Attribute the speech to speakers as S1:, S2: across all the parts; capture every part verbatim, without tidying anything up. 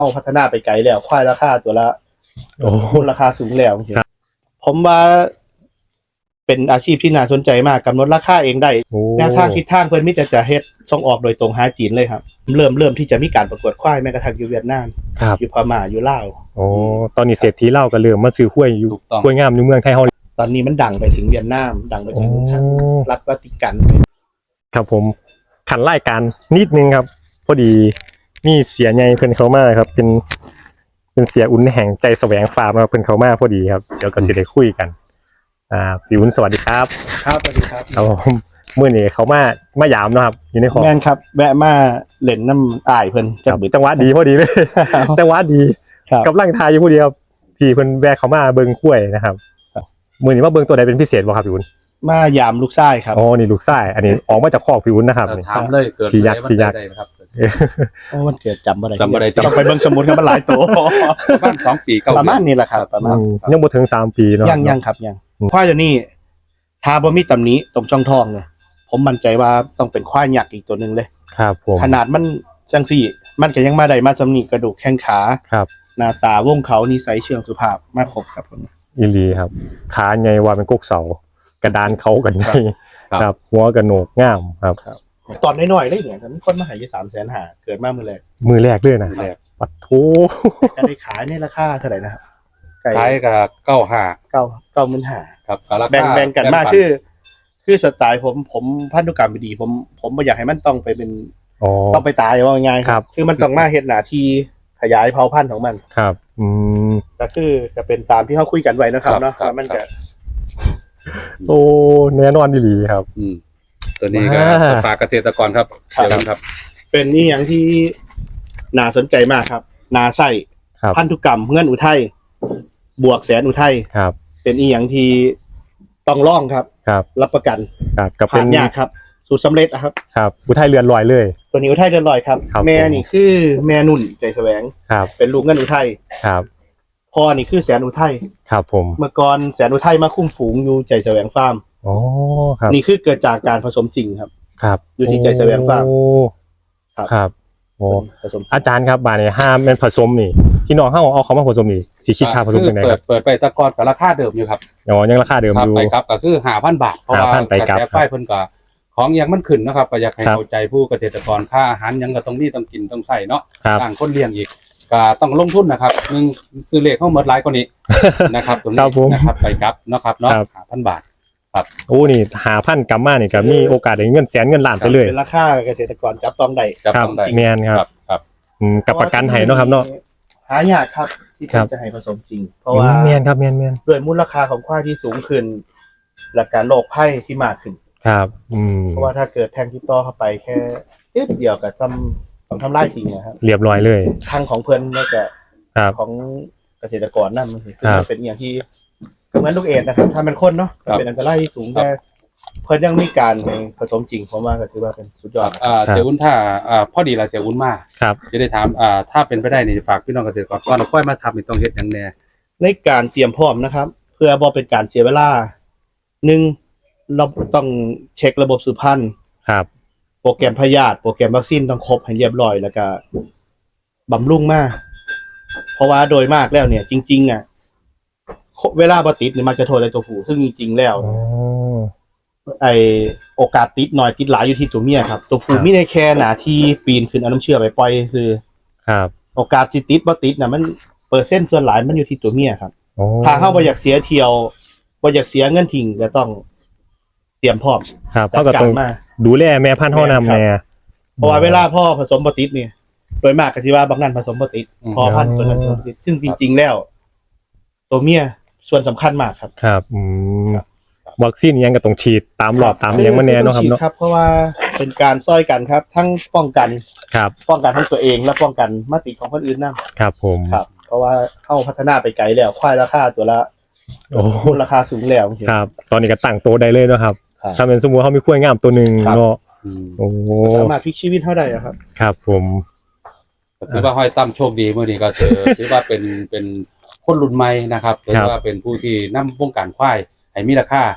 S1: เอาพัฒนาไปไกลแล้วควายราคาตัวละ
S2: โอ้
S1: มูลค่าสูงแล้วผมว่าเป็นอาชีพที่น่าสนใจมากกำหนดราคาเองได้แนวทางทิศทางเพิ่นมิแต่จะเฮ็ดส่งออกโดยตรงหาจีนเลยครับเริ่มเริ่มที่จะมีการประกวดควายแม้กระทั่งอยู่เวียดนามอยู่พม่าอยู่ลาว
S2: โอ้ตอนนี้เศรษฐีเล่าก็เริ่มมาซื้อข้วยอยู่ข้วยงามอยู่เมืองไทยเฮา
S1: ตอนนี้มันดังไปถึงเวียดนามดังไปถึงทางรัฐวาติกัน
S2: ครับผมขันรายการนิดนึงครับพอดีมีเสียใหญ่เพิ่นเข้ามาครับเป็นเป็นเสียอุ่นแห่งใจแสวงฟาร์มเพิ่นเข้ามาพอดีครับเดี๋ยวก็สิได้คุยกันอ่าพี่อุ่นสวัสดีครับ
S1: ครับสวัสดีครับ
S2: ครับผมมื้อนี้เขามามายามเนาะครับอยู่ในคอ
S1: แม่นครับแวะมาเล่นน้ำอ้ายเพิ่น
S2: จังหวะดีพอดีเลยจังหวะดีกับร่างทายอยู่พอดีครับพี่เพิ่นแวะเข้ามาเบิ่งข้วยนะครับมื้อนี้มาเบิ่งตัวใดเป็นพิเศษบ่ครับพี่อุ่น
S1: มายามลูกชายครับ
S2: อ๋อนี่ลูกชายอันนี้ออกมาจากคอกพี่อุ่นนะครับนี่
S3: ถามเลยเกิด
S2: พี่ยักษ์พี่ยักษ์
S3: นะครับ
S1: โอ้มันเกิดจำบ่ได้
S3: จำบ่ได้
S1: ต้องไปเบิ่งสมุดครับมันหลายตัว
S3: ประมาณสองปีเก้า
S1: ประมาณนี้แหละครับประมาณ
S2: ยังบ่ถึงสามปีเนาะ
S1: ยังยังครับยังควายตัวนี้ถ้าบ่มีตำหนิตรงช่องท้องเนี่ยผมมั่นใจว่าต้องเป็นควายยักษ์อีกตัวนึงเลย
S2: ครับผม
S1: ขนาดมันจังซี่มันก็ยังมาได้มาสำนีกระดูกแข้งขา
S2: ครับ
S1: หน้าตาวงเขานิสัยเชิงสุภาพมาครบครับผม
S2: อีหลีครับขาใหญ่ว่าเป็นกกเสากระดานเขากันใหญ่ครับหัวกระโหนกงามครับ
S1: ตอนน้อยๆเลยเนี่ยมีคนมาหาอยู่ สามแสนห้าหมื่น เกิดมามื้อแรก
S2: มือแรกเลยนะปัดโถ
S1: จะได้ขายในราคาเท่าไหร่นะครับ
S3: ขายกับเก้าห้า
S1: เก้า เก้าหมื่นห้า
S3: ครับ
S1: แบ่งแบ่งกันมากคือคือสไตล์ผมผมพันธุกรรมดีผมผมบ่อยากให้มันต้องไปเป็นต้องไปตายว่าง่ายครับคือมันต้องมาเฮ็ดหน้าที่ขยายเผ่าพันธุ์ของมัน
S2: ครับอืม
S1: ก็คือจะเป็นตามที่เฮาคุยกันไว้นะครับเนาะมันก็
S2: โตแน่นอนดีๆครับ
S3: อืมตัวนี้ก็ฝากเกษตรกรครับเดี๋ยวครับ
S1: เป็นนี่อย่างที่น่าสนใจมากครับนาไส้พันธุกรรมเงื่อนอุทัยบวกแสนอุทัย
S2: ครับ
S1: เป็นอีหยังที่ต้องล่องครับ
S2: ครับ
S1: รับประกัน
S2: ครับกับเป็น
S1: ยากครับสูตรสำเร็จครับ
S2: ครับอุทัยเรือนลอยเลย
S1: ตัวนี้อุทัยเรือนลอยครับแม่นี่คือแม่นุ่นใจแสวง
S2: ครับ
S1: เป็นลูกเงื่อนอุทัย
S2: ครับ
S1: พ่อนี่คือแสนอุทัย
S2: ครับผม
S1: เมื่อก่อนแสนอุทัยมาคุ้มฝูงอยู่ใจแสวงฟาร์ม
S2: อ๋อครับ
S1: นี่คือเกิดจากการผสมจริงครับ
S2: ครับ
S1: อยู่ที่ใจแสวงฟาร์ม
S2: ครับครับโอ้อาจารย์ครับบาเนี่ยห้ามเป็นผสมนี่ที่น้องเฮาเอาเขามาผสมนี่สิคิดค่าผสมยังไงครับ
S3: เปิดไปตะกอนกับราคาเดิมอยู่ครับ
S2: อ๋อยังราคาเดิมอยู่
S3: ไปครับก็คือ ห้าพัน บาทเพราะว่ากระแสไฟเพิ่นก็ของยังมันขึ้นนะครับก็อยากให้เข้าใจผู้เกษตรกรค่าอาหารยังก็ต้องมีต้องกินต้องใช้เนาะต่างคนเลี้ยงอีกก็ต้องลงทุนนะครับนึงซื้อเลขเฮาหมดหลายกว่านี้นะครับตรงนี้นะครับไปครับเนาะครับเนาะ ห้าพัน บาทครับ
S2: โอ้นี่ ห้าพัน กลับมานี่ก็มีโอกาสได้เงินแสนเงินล้านไปเลย
S1: เป็นราคาเกษตรกรจับต้องได้
S2: ครับแม่นครับ
S3: ครับ
S2: อืมกับประกันให้เนาะครับเนาะ
S1: หายากครับที่จะให้ผสมจริงเพราะว่า
S2: แม่นครับแม่นๆ
S1: ด้วยมูลค่าของควายที่สูงขึ้นและการโรคภัยที่มากขึ้น
S2: ครับอืม
S1: เพราะว่าถ้าเกิดแทงที่ต่อเข้าไปแค่นิดเดียวก็ทำต้องทำลายทิ้งนะครับ
S2: เรียบร้อยเลย
S1: ทางของเพิ่นแล้วก็ของเกษตรกรนั่นมันคือเป็นอย่างที่เหมือนลูกเอ็ดนะครับถ้าเป็นคนเนาะเป็นอันตรายสูงแต่เพิ่นยังมีการผสมจริงผมว่าก็ถือว่าเป็นสุดยอด
S3: อ่าเสียอุ่นถ้าอ่าพอดีละเสียอุ่นมา
S2: ครับ
S3: จะได้ถามอ่าถ้าเป็นไปได้นี่ฝากพี่น้องเกษตรกรก่อนเอาค่อยมาทำนี่ต้องเฮ็ดหยังแน่
S1: ในการเตรียมพร้อมนะครับเพื่อบ่เป็นการเสียเวลาหนึ่งเราต้องเช็คระบบสืบพันธุ์
S2: ครับ
S1: โปรแกรมพยาธิโปรแกรมวัคซีนต้องครบให้เรียบร้อยแล้วก็บำรุงมาเพราะว่าโดยมากแล้วเนี่ยจริงๆอ่ะเวลาบ่ติดนี่มักจะโทษในตัวผู้ซึ่งจริงๆแล้วไอโอกาสติดน้อยติดหลายอยู่ที่ตัวเมียครับตัวผู้มีในแค่หน้าที่ปีนขึ้นเอาน้ำเชื่อไปปล่อยซื่อ
S2: ครับ
S1: โอกาสสิติดบ่ติดน่ะมันเปอร์เซ็นต์ส่วนหลายมันอยู่ที่ตัวเมียครับถ้าเฮาบ่อยากเสียเที่ยวบ่อยากเสียเงินทิ้งก็ต้องเตรียมพร้อม
S2: ครับเฮาก็ต้องดูแลแม่พันธุ์เฮานำแน่
S1: เพราะว่าเวลาพ่อผสมบ่ติดนี่โดยมากก็สิว่าบางนั้นผสมบ่ติดพอพันธุ์ตัวนั้นผสมติดซึ่งจริงๆแล้วตัวเมียส่วนสำคัญมากครับ
S2: ครับอืมวัคซีนยังก็ต้องฉีดตามรอบตามอย่างมาแน่เนาะครับเนาะ
S1: ครับเพราะว่าเป็นการซ้อยกันครับทั้งป้องกัน
S2: ครับ
S1: ป้องกันทั้งตัวเองและป้องกันมาติดของคนอื่นนำ
S2: ครับผม
S1: ครับเพราะว่าเฮาพัฒนาไปไกลแล้วควายราคาตัวละโอ้ราคาสูงแล้ว
S2: ครับตอนนี้ก็ตั้งโตได้เลยเนาะครับถ้าเป็นสมมุติเฮามีควายงามตัวนึงเนาะโอ้
S1: สามารถพลิกชีวิตเฮาได้ครับ
S2: ครับผม
S3: ถือว่าห้อยตั้มโชคดีมื้อนี้ก็ถือถือว่าเป็นเป็นคนรุ่นใหม่นะครับถือว่าเป็นผู้ที่นำวงการควายให้มีราคา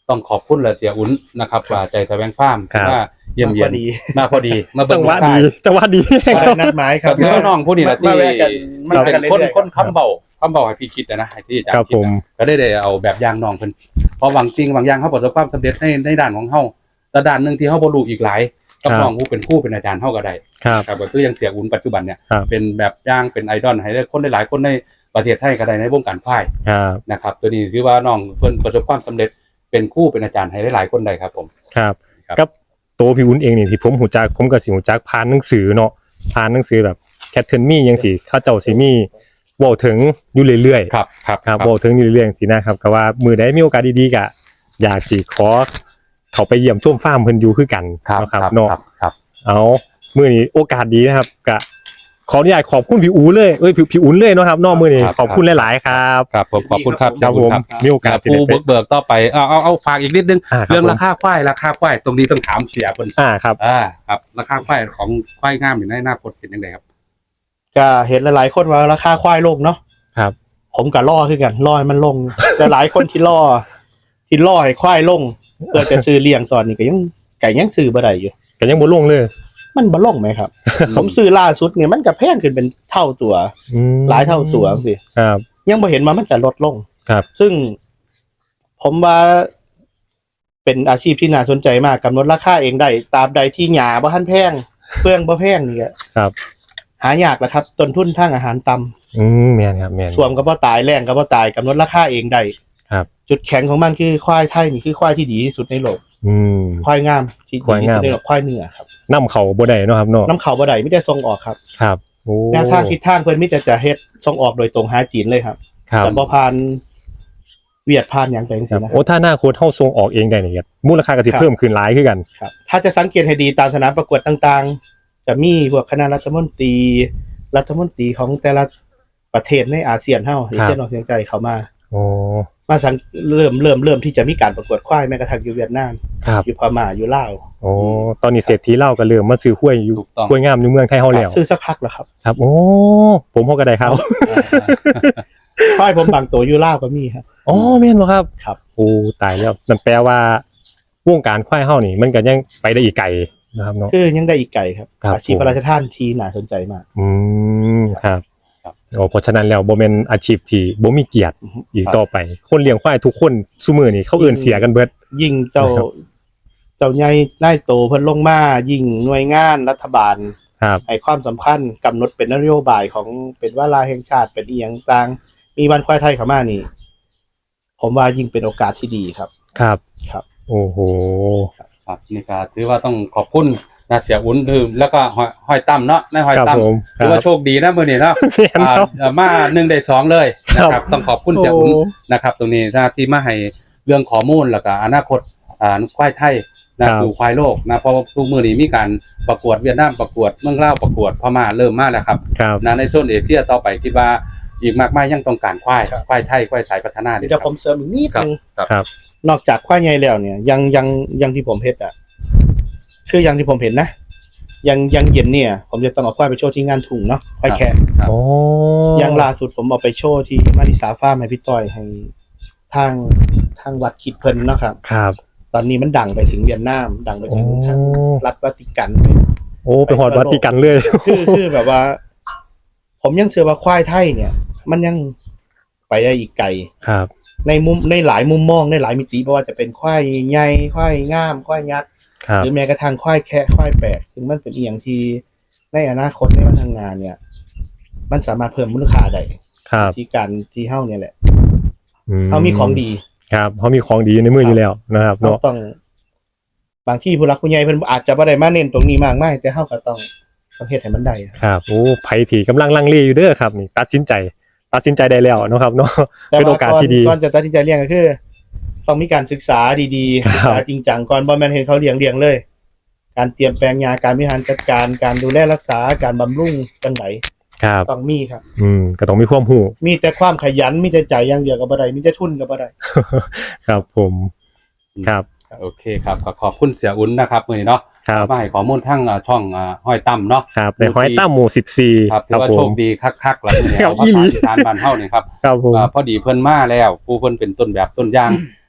S3: ต้องขอบคุณและเสียอุ่นนะครับว่าใจแสวงฟาร์มว่าเยี่ยมเยียน
S1: มาพอดี
S3: มาพอดีมาเบิ่
S2: จั
S3: ง
S2: งหวะ
S3: ลูกชา
S2: ดี
S3: ย
S2: จังหวะดี
S1: ก็ได้นัดหมายค
S3: ก็
S1: รับ
S3: ถือว่าน้องผู้นี้แหละที่
S1: มาแวะกันมา
S3: ที่
S1: แวะ
S3: เป็
S1: กัน
S3: น
S1: เรื่
S3: คน
S1: อยๆ
S3: คนคำเบาคำเบาให้พี่คิดนะนะให้ที่อาจาร
S2: ครับ
S3: ย์คิด
S2: ผม
S3: นะก็ได้ได้เอาแบบอย่างน้องเพิ่นเพราะบางจริงบางอย่างเขาประสบความสำเร็จในในด้านของเฮาแต่ด้านหนึงที่เฮาบ่รู้อีกหลายกับน้องผู้เป็นครูเป็นอาจารย์เฮาก็ได้
S2: ครับ
S3: ครับก็คือยังเสียอุ่นปัจจุบันเนี่ย
S2: ครับ
S3: เป็นแบบอย่างเป็นไอดอลให้ได้คนหลายๆคนในประเทศไทยก็ได้ในวงการควาย
S2: ครับ
S3: นะครับตัวนี้คือว่าน้องเพิ่นประสบความสำเร็จเป็นครูเป็นอาจารย์ให้หลายๆคนได้ครับผม
S2: ครับ
S3: ครับ
S2: กับตัวพี่อุ้นเองนี่ที่ผมหูจักผมก็สิหูจักผ่านหนังสือเนาะผ่านหนังสือแบบแคทเทิร์นมี่ยังสิเขาเจ้าสิมีเว้าถึงอยู่เรื่อยๆ
S3: ครับครับ
S2: ครับเว้าถึงอยู่เรื่อยๆสินะครับก็ว่ามือใดมีโอกาสดีๆก็อยากสิขอเขาไปเยี่ยมชมฟาร์มเพิ่นอยู่คือกัน
S3: ครับ
S2: เนาะค
S3: ค
S2: รั
S3: รั
S2: บบ เนาะ
S3: ครับครับ
S2: เอามื้อนี้โอกาสดีนะครับก็ขออนุญาตขอบคุณพี่อูเลยเอ้ยพี่พี่อุ่นเลยเนาะครับเนอกมื้อนี้
S3: ครับ
S2: ขอบคุณหลายๆครับ
S3: ครับผมขอบคุณครับ
S2: ครับผม
S3: ครับ
S2: มีโอกาสสิ
S3: ปู
S2: ได้ไป
S3: เบิกเบิกต่อไปเอาเอาเอาฝากอีกนิดนึง
S2: อ่าครับ
S3: เรื่อง
S2: ผม
S3: ราคาควายราคาควายตรงนี้ต้องถามเสียเพิ่น
S2: อ่าครับ
S3: อ่าครับราคาควายของควายงามอยู่ในหน้าคตเป็นยังไงครับ
S1: ก็เห็นหลายๆคนว่าราคาควายลงเนาะ
S2: ครับ
S1: ผมก็ล่อคือกันล่อให้มันลง แต่หลายคนที่ล่อที่ล่อให้ควายลงเพื่อจะซื้อเลี้ยงตอนนี้ก็ยังไก่ยังซื้อบ่ได้อยู่
S2: ก็ยังบ่ลงเลย
S1: มันบ่ลงไหมครับ ผมซื้อล่าสุดเนี่ยมันก็แพงขึ้นเป็นเท่าตัว
S2: อืม
S1: หลายเท่าตัวสิ
S2: ครับ
S1: ยังบ่เห็นว่ามันจะลดลง
S2: ครับ
S1: ซึ่งผมว่าเป็นอาชีพที่น่าสนใจมากกำหนดราคาเองได้ตราบใดที่หญ้าบ่ทันแพงเฟืองบ่แพงนี่ก็
S2: ครับ
S1: หายากแหละครับต้นทุนทางอาหารต่ำ
S2: อืมแม่นครับแม่น
S1: ท่วมก็บ่ตายแล้งก็บ่ตายกำหนดราคาเองได้
S2: ครับ
S1: จุดแข็งของมันคือควายไทยนี่คือควายที่ดีที่สุดในโลก
S2: อืม
S1: ควายงามที่
S2: ควาย
S1: ดีที่
S2: งาม
S1: สุดในโลกควายเนื้อครับ
S2: นำเข้าบ่ได้เนาะครับเนาะ
S1: น้ำเขาบ่ได้มีแต่ส่งออกครับ
S2: ครับโอ้
S1: แนวทางทิศทางเพิ่นมีแต่จะเฮ็ดส่งออกโดยตรงหาจีนเลยครับ
S2: ครับ
S1: แต่บ่ผ่านเวียดผ่านหยังไปจัง
S2: ค
S1: ซี่
S2: รับ
S1: นะค
S2: โอ้
S1: รับ
S2: ถ้าหน้าโค้ดเฮาส่งออกเองได้นี่ครับมูลค่าก็สิ
S1: ครับ
S2: เพิ่มขึ้นหลายคือกัน
S1: ครับถ้าจะสังเกตให้ดีตามสนามประกวดต่างๆ จะมีพวกคณะรัฐมนตรีรัฐมนตรีของแต่ละประเทศในอาเซียนเฮาเอเชียนออกเฉียงใต้เข้ามา
S2: โอ้
S1: มาสังเริ่มเริ่มเริ่มที่จะมีการประกวดควายแม้กระทั่งอยู่เวียดนาม
S2: ครับ
S1: อยู่พม่าอยู่ลาว
S2: โอ้ตอนนี้เศรษฐีเล่าก็เริ่มมาซื้อห้วยอยู่
S3: ถูกต้อง
S2: ห้วยงามอยู่เมืองไทยเฮาแล้ว
S1: ซื้อสักพักแล้วครับ
S2: ครับ โอ้ผมเฮาก็ได้ครับ
S1: ควายผมบางตัวอยู่ลาวก็มีครับ
S2: อ๋อแม่นบ่ครับ
S1: ครับ
S2: โอ้ตายแล้วนั่นแปลว่าวงการควายเฮานี่มันก็ยังไปได้อีกไกลนะครับเนาะ
S1: คือยังได้อีกไกลครับ
S2: ครับ
S1: อาชีพพระราชทานที่น่าสนใจมาก
S2: อืมครับ
S3: ครับ
S2: โอ้เพราะฉะนั้นแล้วบ่แม่นอาชีพที่บ่มีเกียรติ
S1: อือฮึ
S2: อีกต่อไป คนเลี้ยงควายทุกคนซุมื้อนี้เขาเอิ้นเสียกันเบิด
S1: ยิ่งเจ้า
S2: นะครับ
S1: เจ้าใหญ่นายโตเพิ่นลงมายิ่งหน่วยงานรัฐบาล
S2: ครับ
S1: ให้ความสำคัญกำหนดเป็นนโยบายของเป็นวาระแห่งชาติเป็นอีหยังต่างมีวันควายไทยเข้ามานี่ ผมว่ายิ่งเป็นโอกาสที่ดีครับ
S2: ครับ
S1: ครับ
S2: โอ้โห
S3: ครับนี่ก็ถือว่าต้องขอบคุณนะเสียอุ่นคือแล้วก็ห้อยห้อยตั้มเนาะนายห้อย
S2: ครับ
S3: ตั้ม
S2: ผม
S3: ถือว่าโชคดีนะมื้อนี้เนาะ
S2: แม่น
S3: อ่า
S2: ครับ
S3: เอ่อมาหนึ่งได้สองเลยนะค
S2: ครั
S3: รับบ ต้องขอบคุณเสียอุ่น
S2: โอ้
S3: นะครับ ตรงนี้นะที่มาให้เรื่องข้อมูลแล้วก็อนาคตอ่าควายไทยนะครับ สู่ควายโลกนะเพราะว่าทุกมื้อนี้มีการประกวดเวียดนามประกวดเมืองลาวประกวดพม่าเริ่มมาแล้วครับ
S2: ครับ
S3: นะในโซนเอเชียต่อไปคิดว่าอีกมากมายยังต้องการควาย
S1: ครับ
S3: ควายไทยควายสายพัฒนาดี
S1: เดี๋ยวผมเสริมอีกนิดนึง
S2: ครับ
S1: นอกจากควายใหญ่แล้วเนี่ย ยังยังยังที่ผมเฮ็ดอ่ะคือยังที่ผมเห็นนะยังยังเย็นเนี่ย ผมจะต้องเอาควายไปโชว์ที่งานถุงเนาะควายแขก
S2: โอ้
S1: ยังล่าสุดผมเอาไปโชว์ที่มาริสาฟาร์มให้พี่ต้อยให้ทางทางวัดคิดเพิ่นเนาะครับ
S2: ครับ
S1: ตอนนี้มันดังไปถึงเวียดนาม ดังไป
S2: โอ้
S1: ถึงทางรัฐวาติกัน
S2: โอ้ไปหอดวัดติกันเลย
S1: คือคือแบบว่า ผมยังเชื่อว่าควายไทยเนี่ย มันยังไปได้อีกไกล
S2: ครับ
S1: ในมุมในหลายมุมมองในหลายมิติไม่ว่าจะเป็นควายใหญ่ควายงามควายยักษ์
S2: ครับ
S1: หรือแม้กระทั่งควายแคะควายแปลกซึ่งมันเป็นอีหยังที่ในอนาคตในวันทางงานเนี่ย มันสามารถเพิ่มมูลค่าได้
S2: ครับ
S1: ที่การที่เฮ้าเนี่ยแหละ
S2: อื
S1: เฮ้ามีของดี
S2: ครับเขามีของดีในมืออยู่แล้วนะครับ
S1: เรา
S2: เนาะ
S1: ต้อง บางที่ผู้หลักผู้ใหญ่เพิ่นอาจจะบ่ได้มาเน้นตรงนี้มากมายแต่เฮาก็ต้องต้องเฮ็ดให้มันได้
S2: ครับโอ้ไผที่กำลังลังเลอยู่เด้อครับนี่ตัดสินใจ ตัดสินใจได้แล้วเนาะครับเนาะ เป็นโอกาสที่ดี
S1: ก่อนจะตัดสินใจเลี้ยงก็คือ ต้องมีการศึกษาดีๆ
S2: ครับ
S1: ศึกษาจริงจังก่อนบ่แม่นเห็นเขาเลี้ยงเลี้ยงเลย การเตรียมแปลงยาการบริหารจัดการการดูแลรักษาการบำรุงจังได
S2: ครับ
S1: ต้องมีครับ
S2: อืมก็ต้องมีความรู้
S1: มีแต่ความขยันมีแต่ใจอย่างเดียวก็บ่ได้มีแต่ทุนก็บ่ได้
S2: ครับผมครับ
S3: โอเคครับขอขอบคุณเสียอุ่นนะครับมื้อนี้เนาะ
S2: ครับ
S3: มาให้ข้อมูลทั้งอ่าช่องอ่าห้อยตั้มเนาะ
S2: ครับในห้อยตั้มหมู่สิบสี่
S3: ครับถื
S2: ค
S3: อ
S2: รับ
S3: ว่า
S2: ผ
S3: โช
S2: ม
S3: คดีคักๆแล้วเนี่ย
S2: ครับ
S3: ภา
S2: อีหลี
S3: ษาอีสานบ้านเฮานี่ครับ
S2: ครับผม
S3: อ่าพอดีเพิ่นมาแล้วผู้เพิ่นเป็นต้นแบบต้นอย่าง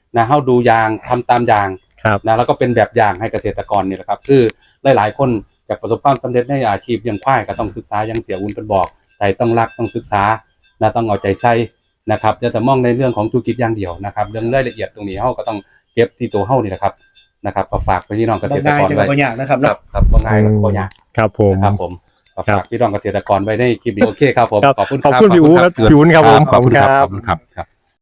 S3: นะเฮาดูอย่างทำตามอย่าง
S2: ครับ
S3: นะแล้วก็เป็นแบบอย่างให้เกษตรกรนี่แหละครับคือหลายๆคนอยากประสบความสำเร็จในอาชีพเลี้ยงควายก็ต้องศึกษาอย่างเสียอุ่นเพิ่นบอกใจต้องรักต้องศึกษานะต้องเอาใจใส่นะครับอย่าแต่มองในเรื่องของธุรกิจอย่างเดียวนะครับเรื่องรายละเอียดตรงนี้เฮาก็ต้องเก็บที่ตัวเฮานี่แหละครับนะครับก็ฝากพี่น้องเกษตรกรไว้
S1: บ่ยากนะครับ
S3: ครั
S1: เนาะ
S3: บครับบ่ง่ายครับบ่ยาก
S2: ครับผม
S3: นะครับผมก็ฝากพี่น้องเกษตรกรไว้ในคลิปนี้โอเคครับผม
S2: ครับ
S3: ขอบคุณ
S2: ขอบคุณพี่อู๋ครับพี่อู๋ครับผม
S3: ขอบคุณครับขอบคุณครับ